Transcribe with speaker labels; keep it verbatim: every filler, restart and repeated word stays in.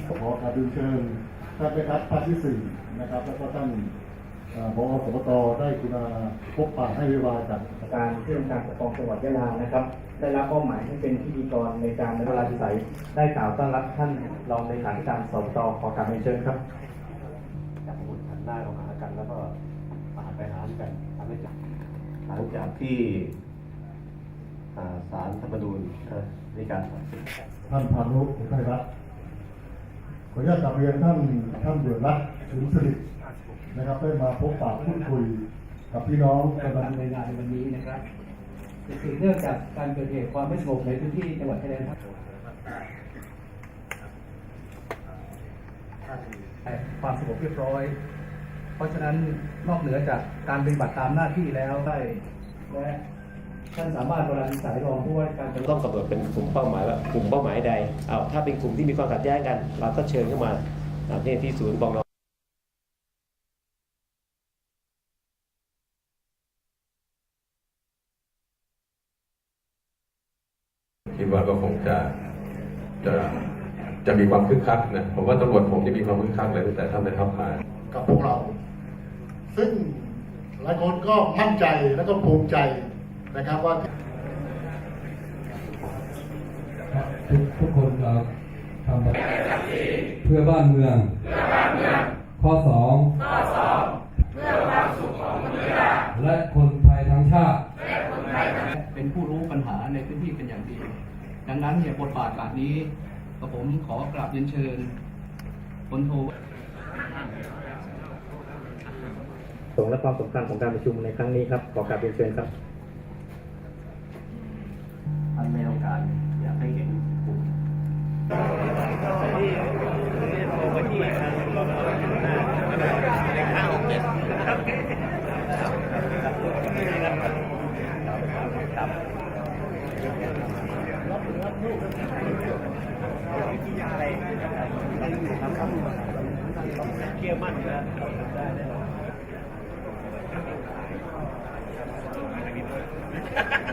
Speaker 1: ขอการเรียนเชิญท่านแม่ทัพภาคที่สี่นะครับแล้วก็ท่านผอ.สปต.ได้กรุณาพบปะให้เวลาจาก
Speaker 2: การที่องค์การปกครองจังหวัดยะลานะครับได้รับมอบหมายให้เป็นพิธีกรในการในเวลาที่ใสได้กล่าวต้อนรับท่านรองเลขาธิการสปต.ขอการเรียนเชิญครับจับมือหันหน้าเข้าหากันแล้วก็มาไปหากันทำให้จับหลังจากที่ศาลธรรมนูญในการตัดสิน
Speaker 1: ท่านพานุอุทัยรัตน์ขออนุญาตกลับเรียนท่านท่านเดือดรัตน์ถึงสิรินะครับได้มาพบปะพูดคุยกับพี่น้องกำลัง
Speaker 2: ในงานในวันนี้นะครับสืบเนื่องจากการเกิดเหตุความไม่สงบในพื้นที่จังหวัดชายแดนภาคความสงบเรียบร้อยเพราะฉะนั้นนอกเหนือจากการปฏิบัติตามหน้าที่แล้วได้และท่านสามารถบริหารสายรองผู้ว่าการ
Speaker 3: ต้องกำหนดเป็นกลุ่มเป้าหมายว่ากลุ่มเป้าหมายใดเอาถ้าเป็นกลุ่มที่มีความขัดแย้งกันเราก็เชิญเข้ามาที่ที่ศูนย์ปอง
Speaker 4: คิดว่าก็คงจะจะจะมีความคึกคักนะผมว่าตำรวจผมจะมีความคึกคักเลยตั้งแต่ท่านได้ทัพมา
Speaker 1: กับพวกเราซึ่งหลายคนก็มั่นใจและก็ภูมิใจนะครับว่า
Speaker 5: ทุกทุกคนเราทำเพื่อบ้านเมืองข้อสองเพื่อความสุขของมนุษย์และคนไทยทั้งชาติ
Speaker 2: เป็นผู้รู้ปัญหาในพื้นที่เป็นอย่างดีดังนั้นเนี่ยบทบาทแบบนี้กับผมขอกราบเรียนเชิญพลโทสงและความสำคัญของการประชุมในครั้งนี้ครับขอกราบเรียนเชิญครับอันไม่ต้องการอยากให้เห็นผมเชื่อมั่นนะได้แน่นอน